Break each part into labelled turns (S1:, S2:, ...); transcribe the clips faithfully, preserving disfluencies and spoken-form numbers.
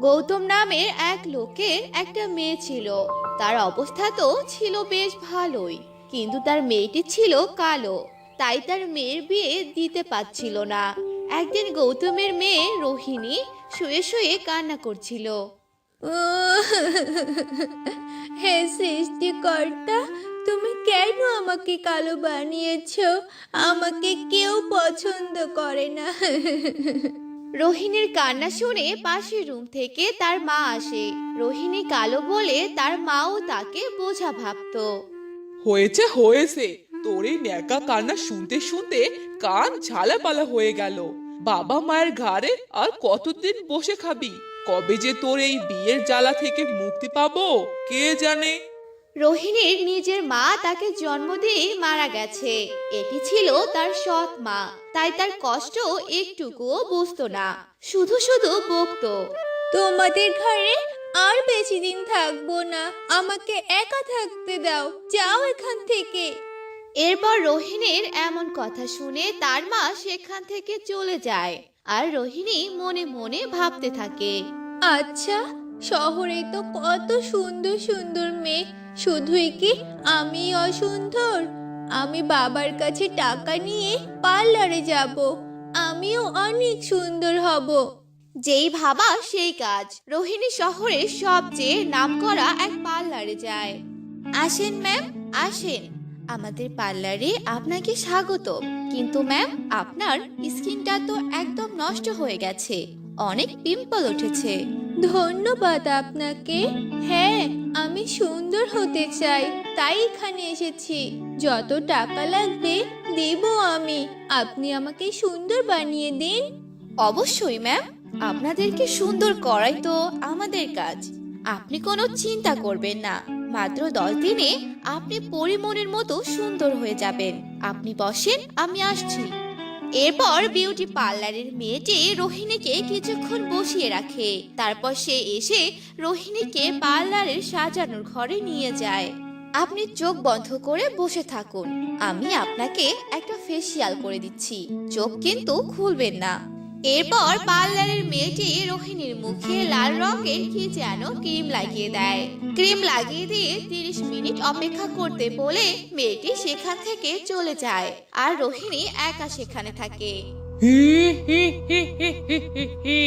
S1: গৌতম নামের এক লোকের একটা মেয়ে ছিল। তার অবস্থা তো ছিল বেশ ভালোই, কিন্তু তার মেয়েটি ছিল কালো, তাই তার মেয়ের বিয়ে দিতে পারছিল না। একদিন গৌতমের মেয়ে রোহিণী শুয়ে শুয়ে কান্না করছিল।
S2: হে সৃষ্টিকর্তা, তুমি কেন আমাকে কালো বানিয়েছো? আমাকে কেউ পছন্দ করে না।
S1: রোহিণীর কান্না শুনে পাশের রুম থেকে তার মা আসে। রোহিণী কালো বলে তার মাও তাকে বোঝা ভাবতো।
S3: হয়েছে হয়েছে, তোর এই ন্যাকা কান্না শুনতে শুনতে কান ঝালাপালা হয়ে গেল। বাবা মায়ের ঘাড়ে আর কতদিন বসে খাবি? কবে যে তোর এই বিয়ের জ্বালা থেকে মুক্তি পাবো কে জানে।
S1: রোহিণীর নিজের মা তাকে জন্ম দিয়ে মারা গেছে। এটি ছিল তার সৎ মা, তাই তার কষ্ট একটুকুও বুঝতো না, শুধু শুধু বকতো।
S2: তোমাদের ঘরে আর বেশি দিন থাকবো না, আমাকে একা থাকতে দাও, যাও এখান থেকে।
S1: এরপর রোহিণীর এমন কথা শুনে তার মা সেখান থেকে চলে যায়। আর রোহিণী মনে মনে ভাবতে থাকে,
S2: আচ্ছা, শহরে তো কত সুন্দর সুন্দর মেয়ে, শুধুই কি আমি অসুন্দর? আমি বাবার কাছে টাকা নিয়ে পার্লারে যাব, আমিও অনেক সুন্দর হব।
S1: যেই ভাবা সেই কাজ। রোহিণী শহরের সবচেয়ে নামকরা এক পার্লারে যায়। আসেন ম্যাম, আসেন, আমাদের পার্লারে আপনাকে স্বাগত। কিন্তু ম্যাম, আপনার স্কিনটা তো একদম নষ্ট হয়ে গেছে, অনেক পিম্পল উঠেছে।
S2: ধন্যবাদ আপনাকে। হ্যাঁ, আমি সুন্দর হতে চাই, তাই এখানে এসেছি। যত টাকা লাগবে দেব আমি, আপনি আমাকে সুন্দর বানিয়ে দিন।
S1: অবশ্যই ম্যাম, আপনাদেরকে সুন্দর করাই তো আমাদের কাজ। আপনি কোনো চিন্তা করবেন না, মাত্র দশ দিনে আপনি পরিমণের মতো সুন্দর হয়ে যাবেন। আপনি বসেন, আমি আসছি। এরপর বিউটি পার্লারের মেয়েটি রোহিণীকে কিছুক্ষণ বসিয়ে রাখে। তারপর সে এসে রোহিণীকে পার্লারের সাজানোর ঘরে নিয়ে যায়। আপনি চোখ বন্ধ করে বসে থাকুন, আমি আপনাকে একটা ফেসিয়াল করে দিচ্ছি, চোখ কিন্তু খুলবেন না। এরপর পার্লারের মেয়েটি রোহিণীর মুখে লাল রঙের কি যেন ক্রিম লাগিয়ে দেয়। ক্রিম লাগিয়ে দিয়ে তিরিশ মিনিট অপেক্ষা করতে বলে মেয়েটি সেখান থেকে চলে যায়। আর রোহিণী একা সেখানে থাকে।
S3: হি হি হি হি হি হি হি।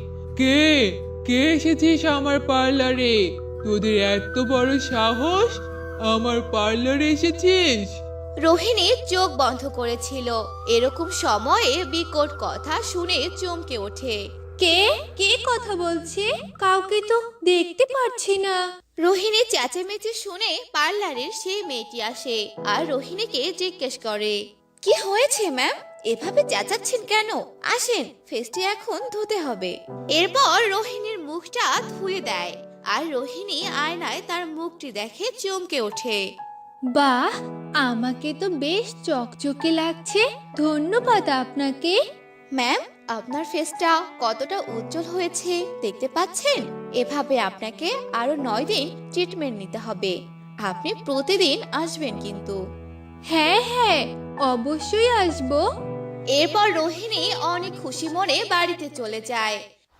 S3: কে কে এসেছিস আমার পার্লারে? তোদের এত বড় সাহস, আমার পার্লারে এসেছিস?
S1: রোহিণী চোখ বন্ধ করেছিল। এরকম সময়ে বিকট কথা শুনে চমকে ওঠে।
S2: কে কে কথা বলছে? কাউকে তো দেখতে পাচ্ছি না।
S1: রোহিণী চেঁচামেচি শুনে পার্লারের সেই মেয়েটি আসে আর রোহিণীকে জিজ্ঞেস করে, কি হয়েছে ম্যাম, এভাবে চেঁচাচ্ছেন কেন? আসেন, ফেসটি এখন ধুতে হবে। এরপর রোহিণীর মুখটা ধুয়ে দেয় আর রোহিণী আয়নায় তার মুখটি দেখে চমকে ওঠে।
S2: বাহ, আমাকে তো বেশ চকচকে লাগছে, ধন্যবাদ আপনাকে।
S1: ম্যাম, আপনার ফেসটা কতটা উজ্জ্বল হয়েছে দেখতে পাচ্ছেন? এভাবে আপনাকে আরো নয় দিন ট্রিটমেন্ট নিতে হবে। আপনি প্রতিদিন আসবেন কিন্তু।
S2: হ্যাঁ হ্যাঁ, অবশ্যই আসবো।
S1: এরপর রোহিণী অনেক খুশি মনে বাড়িতে চলে যায়।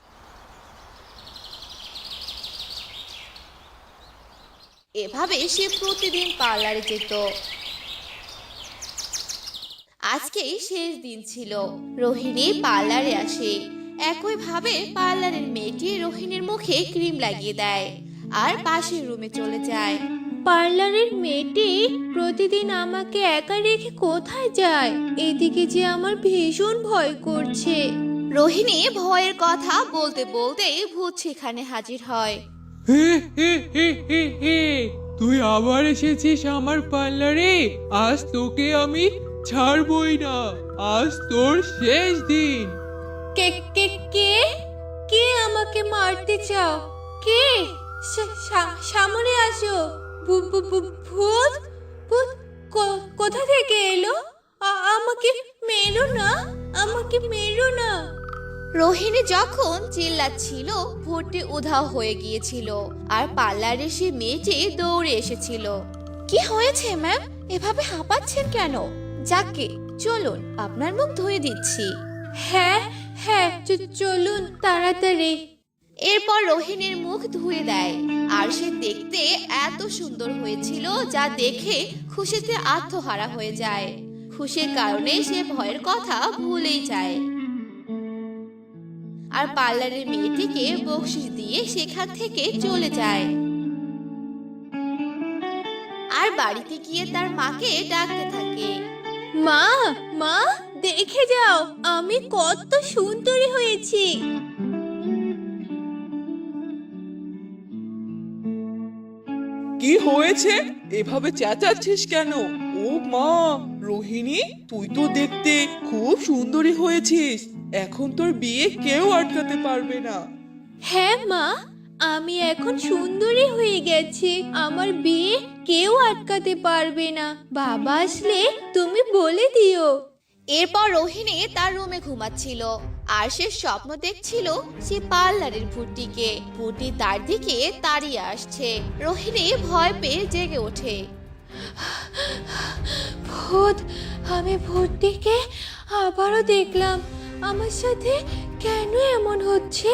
S1: এভাবে সে প্রতিদিন পার্লারে যেত। আজকেই শেষ দিন ছিল। রোহিণী পার্লারে আসে। একই ভাবে পার্লারের মেয়েটি রোহিণীর মুখে ক্রিম লাগিয়ে দেয় আর পাশের রুমে চলে যায়।
S2: পার্লারের মেয়েটি প্রতিদিন আমাকে একা রেখে কোথায় যায়? এদিকে যে আমার ভীষণ ভয় করছে।
S1: রোহিণী ভয়ের কথা বলতে বলতেই ভূত সেখানে হাজির হয়।
S3: হে হে হে হে হে। তুই আবার এসেছিস আমার পার্লারে? আজ তোকে আমি ছাড়বই না, আজ তোর শেষ দিন।
S2: কে কে কে কে আমাকে মারতে চাও? কে? সা- সা- সামনে আসো। ভূ- ভূ- ভূ- ভূত ভূত কো- কোথা থেকে এলো? আ- আমাকে মেরো না, আমাকে মেরো না।
S1: রোহিণী যখন চিল্লাচ্ছিল ভূতটি উধাও হয়ে গিয়েছিল আর পার্লারে সে মেয়েটি দৌড়ে এসেছিল। কি হয়েছে ম্যাম, এভাবে হাঁপাচ্ছেন কেন? যাকে চলুন, আপনার মুখ ধুয়ে দিচ্ছি।
S2: হ্যাঁ হ্যাঁ, চ- চলুন তাড়াতাড়ি।
S1: এরপর রোহিণীর মুখ ধুয়ে দেয় আর সে দেখতে এত সুন্দর হয়েছিল যা দেখে খুশিতে আত্মহারা হয়ে যায়। খুশির কারণে সে ভয়ের কথা ভুলেই যায় আর পার্লারের মেয়েটিকে বকশিশ দিয়ে সেখান থেকে চলে যায় আর বাড়িতে গিয়ে তার মাকে ডাকতে থাকে।
S2: মা মা দেখে যাও আমি কত সুন্দরী হয়েছি।
S3: কি হয়েছে, এভাবে চেঁচাচ্ছিস কেন? ও মা, রোহিণী তুই তো দেখতে খুব সুন্দরী হয়েছিস। এখন তোর বিয়ে কেউ আটকাতে পারবে না।
S2: হ্যাঁ মা, আমি এখন সুন্দরী হয়ে গেছি, আমার বিয়ে কেউ আটকাতে পারবে না। বাবা আসলে তুমি বলে দিও।
S1: এরপর রোহিণী তার রুমে ঘুমাচ্ছিল আর সে স্বপ্ন দেখছিল সে পার্লারের ভূতটিকে। ভূতটি তার দিকে তাড়িয়ে আসছে। রোহিণী ভয় পেয়ে জেগে ওঠে।
S2: ভূত, আমি ভূতটিকে আবারও দেখলাম, আমার সাথে কেন এমন হচ্ছে?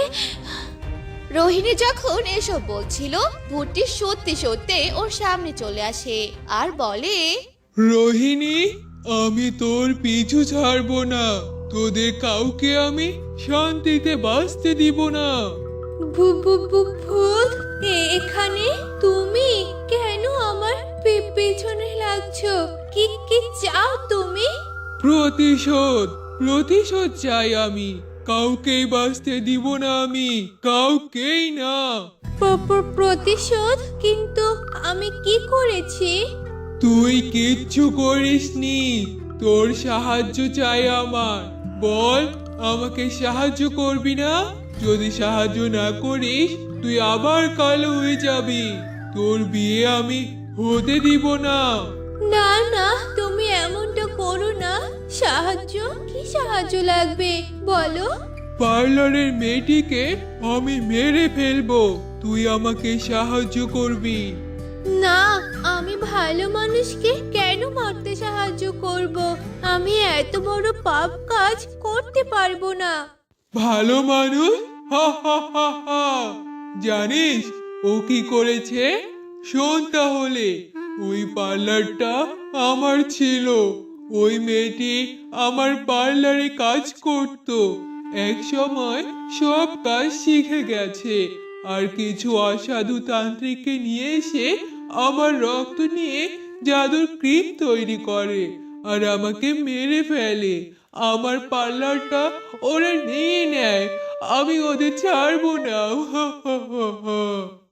S1: রোহিণী যখন এসব বলছিল ভূতটি সত্যি সত্যি ওর সামনে চলে আসে আর বলে,
S4: রোহিণী, আমি তোর পিছু ছাড়বো না, তোদের কাউকে আমি শান্তিতে বাঁচতে দিব না।
S2: ভূ- ভূ- ভূ- ভূত এ- এখানে তুমি কেন আমার পে- পেছনে লাগছো? কি কি চাও তুমি?
S4: প্রতিশোধ প্রতিশোধ চাই আমি, কাউকেই বাঁচতে দিব না আমি, কাউকেই না।
S2: প্র- প্র- প্রতিশোধ? কিন্তু আমি কি করেছি?
S4: তুই কিচ্ছু করিসনি, তোর সাহায্য চাই আমার। বল, আমাকে সাহায্য করবি না? যদি সাহায্য না করিস তুই আবার কালো হয়ে যাবি, তোর বিয়ে আমি হতে দিব না।
S2: না না, তুমি এমনটা করো না। সাহায্য? কি সাহায্য লাগবে বলো?
S4: পার্লারের মেয়েটিকে আমি মেরে ফেলবো, তুই আমাকে সাহায্য করবি।
S2: না, আমি ভালো মানুষকে কেন মারতে সাহায্য করব? আমি এত বড় পাপ কাজ করতে পারবো না।
S4: ভালো মানুষ? হা হা হা হা। জানিস ও কি করেছে? শোন তাহলে। ওই পার্লারটা আমার ছিল, ওই মেয়েটি আমার পার্লারে কাজ করত। এক সময় সব কাজ শিখে গেছে আর কিছু অসাধু তান্ত্রিককে নিয়ে এসে আমার রক্ত নিয়ে জাদুর ক্রিম তৈরি করে আর আমাকে মেরে ফেলে। আমার পার্লারটা ওরা নিয়ে নেয়, আমি ওদের ছাড়বো না। হা হা হা হা।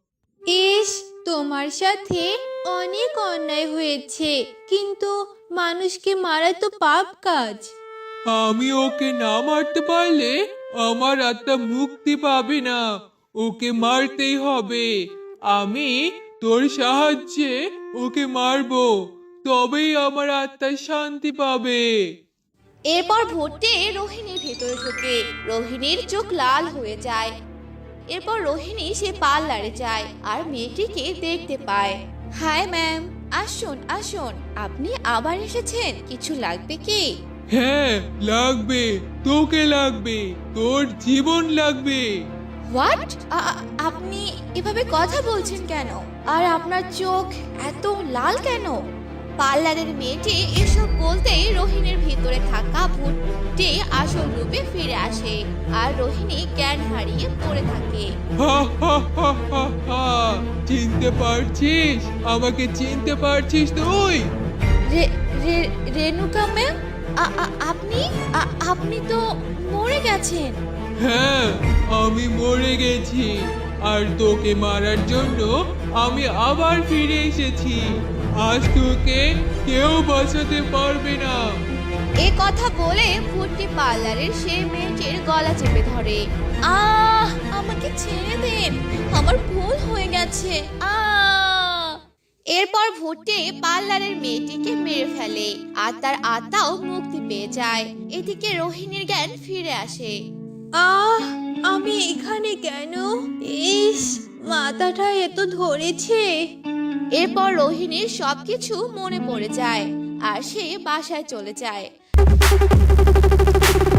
S2: ইস, তোমার সাথে অনেক অন্যায় হয়েছে, কিন্তু মানুষকে মারা তো পাপ কাজ।
S4: আমি ওকে না মারতে পারলে আমার আত্মা মুক্তি পাবে না, ওকে মারতেই হবে। আমি তোর সাহায্যে ওকে মারবো, তবেই আমার আত্মা শান্তি পাবে।
S1: এরপর ভূতটি রোহিণীর ভেতরে ঢোকে। রোহিণীর চোখ লাল হয়ে যায়। এরপর রোহিণী সে পার্লারে যায় আর মেয়েটিকে দেখতে পায়। হাই ম্যাম, আসুন আসুন, আপনি আবার এসেছেন, কিছু লাগবে কি?
S4: হ্যাঁ লাগবে, তোকে লাগবে, তোর জীবন লাগবে।
S1: হোয়াট? আপনি এভাবে কথা বলছেন কেন? আর আপনার চোখ এত লাল কেন? পার্লারের মেয়েটি এসব বলতেই রোহিণীর ভিতরে থাকা ভূতটি আসল রূপে ফিরে আসে আর রোহিণী জ্ঞান হারিয়ে পড়ে থাকে।
S4: হা হা হা হা হা। চিনতে পারছিস? আমাকে চিনতে পারছিস তুই?
S1: রে- রে- রেণুকা ম্যাম, আ- আ- আপনি আ- আপনি তো মরে গেছেন।
S4: হ্যাঁ, আমি মরে গেছি আর তোকে মারার জন্য আমি আবার ফিরে এসেছি। আজ তোকে কেউ বাঁচাতে পারবে না।
S1: এ কথা বলে ভূতটি পার্লারের সেই মেয়েটির গলা চেপে ধরে। আহ, আমাকে ছেড়ে দিন, আমার ভুল হয়ে গেছে। আহ! এরপর ভূতটি পার্লারের মেয়েটিকে মেরে ফেলে আর তার আত্মাও মুক্তি পেয়ে যায়। এদিকে রোহিণীর জ্ঞান ফিরে আসে।
S2: আহ, আমি এখানে কেন? ইস, মাথাটা এত ধরেছে।
S1: এরপর রোহিণীর সবকিছু মনে পড়ে যায় আর সে বাসায় চলে যায়।